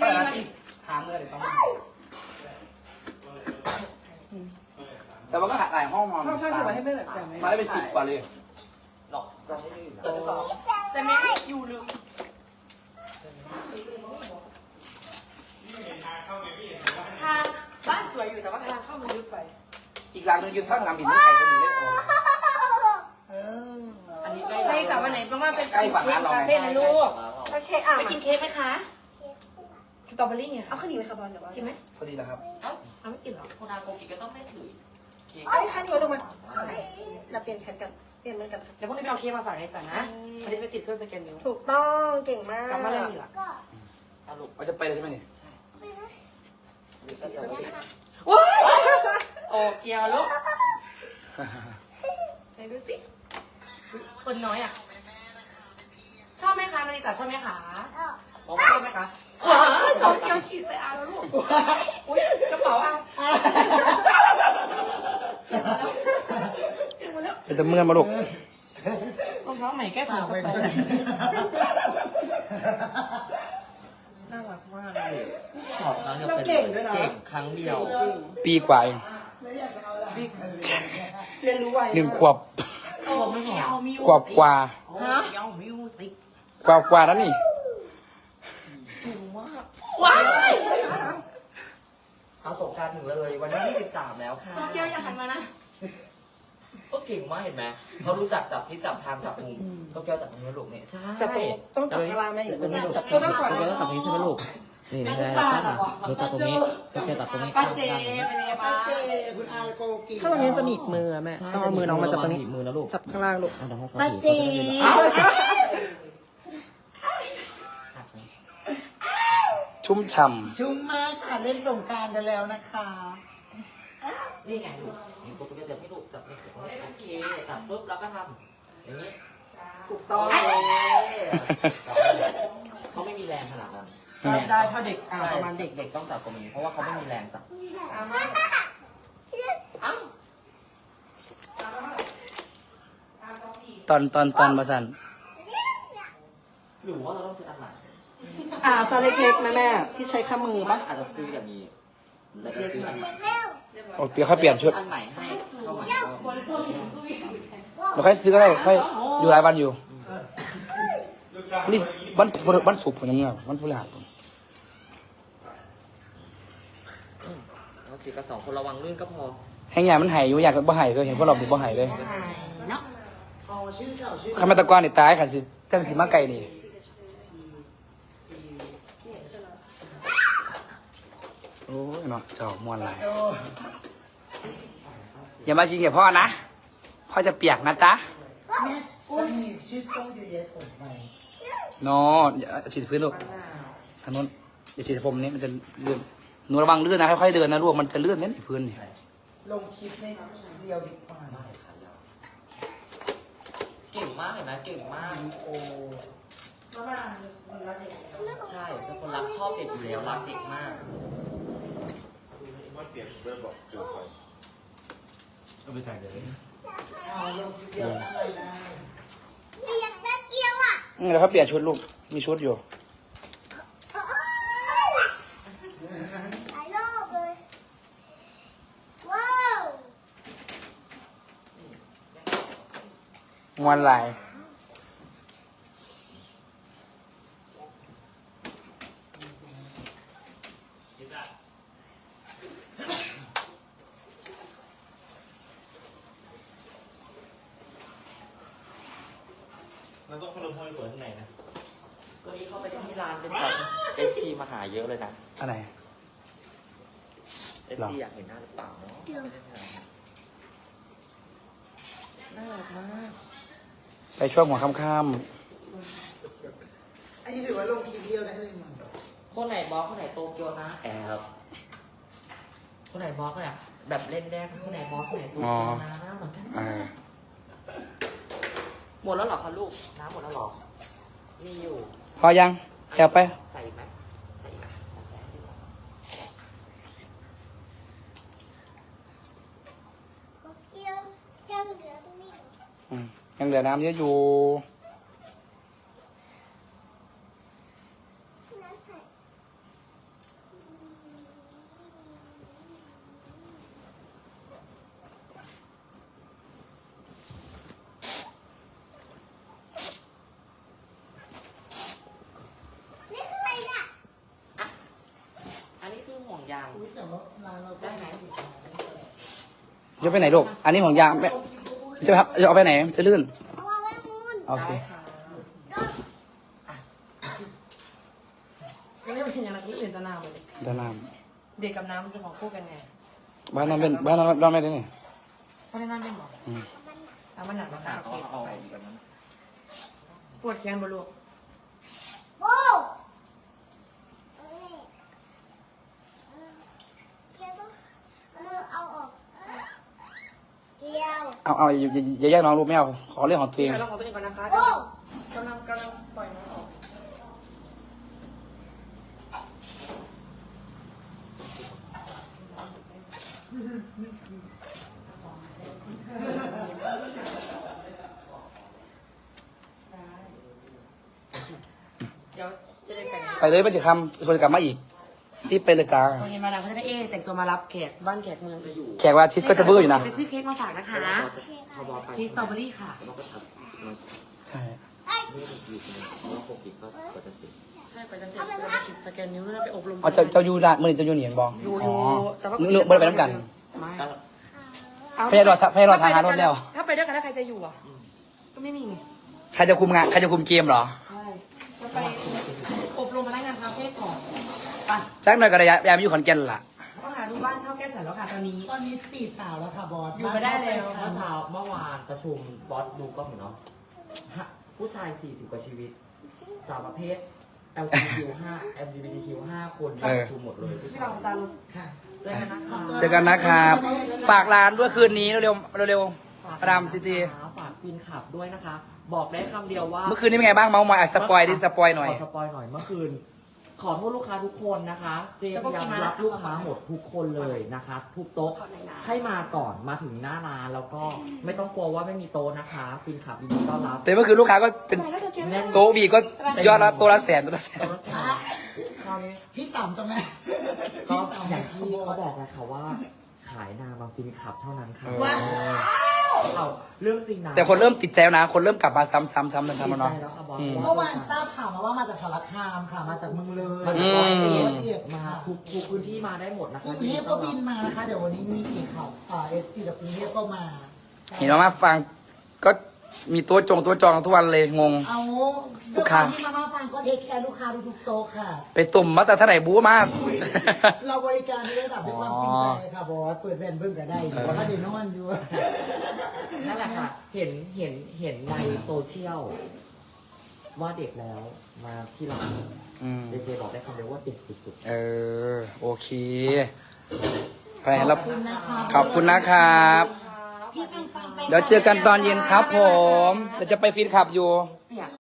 ไปร้านที่หาเมื่อไหร่ต้องแต่ว่าก็หาหลายห้องนอนข้าวช่างจะมาให้แม่หน่อยจ้ะไหมมาได้เป็น10 กว่าเลยหรอกเราไม่ได้อยู่นะแต่แม่อยู่ลึกทางบ้านสวยอยู่แต่ว่าทางเข้ามันลึกไปอีกหลังนึงอยู่ข้างงามบินไม่ไกลกันอยู่เลยอันนี้ใกล้กับวันไหนประมาณเป็นใกล้ฝั่งร้านเราคาเฟ่นะลูกโอเคอ่ะไปกินเค้กไหมคะสตรอเบอรี่ไงเอาข้าวเหนียวไหมคะบอลเดี๋ยวว่ากินไหมพอดีแล้วครับเอาไม่กินหรอคนอาโกกิก็ต้องไม่ถือเค้กไอ้ข้าวเหนียวลงมาเราเปลี่ยนแผนกันเปลี่ยนมือกันเดี๋ยวพรุ่งนี้ไปเอาเค้กมาฝากไอ้ต่นะวันนี้ไปติดเครื่องสแกนนิ้วถูกต้องเก่งมากกลับมาเล่นอีกเหรอสรุปว่าจะไปเลยใช่ไหมนี่ว้ายโอ้เกียวลูกไหนดูสิคนน้อยอ่ะชอบไหมคะนาริตาชอบไหมคะชอบไหมคะว้าวโตเกียวฉีดใส่อาแล้วลูกอุ้ยกระเป๋าอาเปลี่ยนหมดแล้วเป็นตะเมื่อนมาลูกรองเท้าใหม่แก้สาวไปน่ารักมากเลยสอบครั้งเดียวเราเก่งด้วยนะเก่งครั้งเดียวปีกว่าเองเรียนรู้ไว 1 ขวบโอ้ไม่เอามิวขวบกว่าฮะเอามิวสิกว่าแล้วนี่ว้ายเอาสงการถึงเลยวันที่23แล้วค่ะโตเกียวอย่าหันมานะก็เก่งมากเห็นไหมเขารู้จักจับที่จับทางจับมุมโตเกียวจับตรงนี้ลูกเนี่ยใช่จับตรงต้องจับกะลาแม่อยู่ตรงนี้จับตรงนี้โตเกียวต้องจับตรงนี้ใช่ไหมลูกนี่ไม่ได้แล้วกันดูจับตรงนี้โตเกียวจับตรงนี้ป้าเจเป็นยังไงบ้างคุณอาโกกีถ้าตรงนี้จะหนีบมือแม่ต้องเอามือน้องมาจับตรงนี้มือนะลูกจับข้างล่างลูกเอาเดี๋ยวให้เขาป้าถือเจชุ่มฉ่ชุ่มมากค่ะเล่นสงการกันแล้วนะคะนี่ไงลูกนี่โตเกียวจับให้ลูกจับนี่โอเคจับปุ๊บแล้วก็ทำอย่างนี้ถูกต้องเขาไม่มีแรงขนาดนั้นได้เท่าเด็กอ่าใช่ประมาณเด็กเด็กต้องจับตรงนี้เพราะว่าเขาไม่มีแรงจับำตอนมาสั่นหรือว่าเราต้องซื้ออันไหนซาเล็กๆแม่แม่ที่ใช้ข้ามือปะอาจจะซื้ออย่างนี้แล้วก็ซื้ออันใหม่โอ้เปลี่ยนค่อยเปลี่ยนชุดอันใหม่ให้เข้ามาเราค่อยซื้อก็ได้ค่อยอยู่หลายวันอยู่นี่วันศุกร์ผมยังเงื่อนวันพฤหัสผมเราซื้อกัน2 คนระวังลื่นก็พอแห้งใหญ่มันหายอยู่อยากบ่หายเลยเห็นพวกเราเป็นบ่หายเลยเนาะคำมาตะกอนนี่ตายขันสิจังสิมาไก่นี่โอ้ยเนาะเจ้ามวนหลายอย่ามาชิงกับพ่อนะพ่อจะเปียกนะจ๊ะชื่อต้องเยอะแยะผมไปเนาะอย่าฉีดพื้นลูกทางนู้นอย่าฉีดผมนี้มันจะเลื่อนหนูระวังเลื่อนนะค่อยๆเดินนะลูกมันจะเลื่อนเนี่ยพื้นนี่ลงคลิปให้เดียวดีกว่าเก่งมากเห็นไหมเก่งมากโอ้ใช่เป็นคนรักชอบเด็กอยู่แล้วรักเด็กมากเปลี่ยนเริ่มบอกเจอไฟก็ไปถ่ายเดี๋ยวนี้ลงคลิปเดียวอะไรได้แล้วเขาเปลี่ยนชุดลูกมีชุดอยู่มวนหลายมันต้องพัดลมทำให้สวยข้างในนะวันนี้เข้าไปที่ร้านเป็นแบบเอฟซีมาหาเยอะเลยนะอะไรเอฟซีอยากเห็นหน้าหรือเปล่าเนาะน่ารักมากไปช่วงหัวค่ำอันนี้ถือว่าลงคลิปเดียวได้เลยมั้งคนไหนบอสคนไหนโตเกียวนะแอบคนไหนบอสคนไหนแบบเล่นแรกคนไหนบอสคนไหนโตเกียวนะเหมือนกัน หมดแล้วเหรอคะลูกน้ำหมดแล้วเหรอมีอยู่พอยังแอบไปใส่ไหมใส่ไหมยังเหลือน้ำเยอะอยู่ได้ไหมจะไปไหนลูกอันนี้ของยางแม่จะเอาไปไหนจะลื่นโอเคก็เรียกเป็นอย่างไรที่อื่นจะนำเลยด้านน้เด็กกับน้ำเป็นของคู่กันไงำบ้านนอนเป็นบ้านนอนไม่ได้นี่เพราะฉะนั้นเป็นบอกอืมน้ำมันหนักนะคะโอเคเอาไปแบบนั้นปวดแขนบ่ลูกเอาอย่าแยกน้องลูกไม่เอาขอเรื่องของตัวเองเดี๋ยวเราของตัวเองก่อนนะคะกำลังปล่อยน้ำออกเดี๋ยวจะได้ไปไหนไปเลยไปสิคำคนกลับมาอีกรีบไปเลยจ้าตอนนี้มาดามเขาจะได้แต่งตัวมารับแขกบ้านแขกเมืองจะอยู่แขกวันอาทิตย์ก็จะเบื่ออยู่นะไปซื้อเค้กมาฝากนะคะพอบอสไปเค้กสตรอเบอรี่ค่ะบอสก็ทำมันใช่ไม่ได้อยู่ใช่ไหมเพราะว่าปกติก็จะเสร็จใช่ไปจันเสร็จเราไปสแกนนิ้วแล้วไปอบรมเอาเจ้ายูละมื่อนี้เจ้ายูเหนียนบอกอยู่อ๋อแต่ว่าเลือกไม่ได้ไปน้ำกันไม่พยายรอทางหารถแล้วถ้าไปด้วยกันแล้วใครจะอยู่อ่ะ ก็ไม่มีไงใครจะคุมงานใครจะคุมเกมเหรอใช่จะไปอบรมพนักงานคาเฟ่ก่อนไปแจ็คหน่อยก็ได้ยายมาอยู่ขอนแก่นล่ะต้องหาดูบ้านเช่าแก้สันแล้วค่ะตอนนี้ตอนนี้ตีสาวแล้วค่ะบอสอยู่ไม่ได้แล้วเมื่อวานประชุมบอสดูกล้องอยู่เนาะผู้ชาย 40 กว่าชีวิต สาวประเภท LGBTQ 5 LGBTQ 5 คนประชุมหมดเลยผู้ที่ชาเรายตาลุค่ะเจอกันนะคะเจอกันนะครับ ฝากร้านด้วยคืนนี้เร็วๆเร็วๆมาดามจีจีฝากฟินขับด้วยนะคะ บอกได้คำเดียวว่าเมื่อคืนนี้เป็นไงบ้างเมาส์มอยสปอยดิสปอยหน่อยขอสปอยหน่อยเมื่อคืน ขอโทษลูกค้าทุกคนนะคะ เจพยายามรับลูกค้าหมดทุกคนเลยนะคะทุกโต๊ะให้มาก่อนมาถึงหน้าร้านแล้วก็ไม่ต้องกลัวว่าไม่มีโต๊ะนะคะฟินขับยินดีต้อนรับแต่เมื่อคืนลูกค้าก็เป็นแน่นโต๊ะบีก็ยอดละตัวละแสนตัวละแสนคราวนี้พี่ต่ำจังไหมก็อย่างที่เขาบอกเลยค่ะว่า ขายนามาฟินขับเท่านั้นค่ะว้าวเอาเรื่องจริงนะแต่คนเริ่มติดใจแล้วนะ คนเริ่มกลับมาซ้ำๆๆแล้วดีเนาะใจแล้วค่ะบอสอืมเมื่อวานทราบข่าวมาว่ามาจากสารคามค่ะ มาจากเมืองเลยมาจากร้อยเอ็ดเอ็ดมาค่ะทุกพื้นที่มาได้หมดนะกคะรุงเทพก็บินมานะคะ เดี๋ยววันนี้มีอีกค่ะเอสซีจากกรุงเทพก็มาเห็นมาฟังก็มีตัวจองทุกวันเลยงงเอาลูกค้าที่มาฟังก็เทคแคร์ลูกค้าทุกโต๊ะค่ะไปตุ่มมาแต่เท่าไหร่บู๊มากเราบริการในระดับด้วยความจริงใจค่ะบอสเปิดแบรนด์เพิ่งก็ได้อยู่ว่าถ้าเดนอนอยู่นั่นแหละค่ะ เห็นในโซเชียลว่าเด็กแล้วมาที่ร้านอืมเจเจบอกได้คำเดียวว่าเด็กสุดเออ โอเคไปแล้วขอบคุณนะคะขอบคุณนะครับพี่ฟังไปเดี๋ยวเจอกันตอนเย็นครับผมเดี๋ยวจะไปฟีนขับอยู่เปียก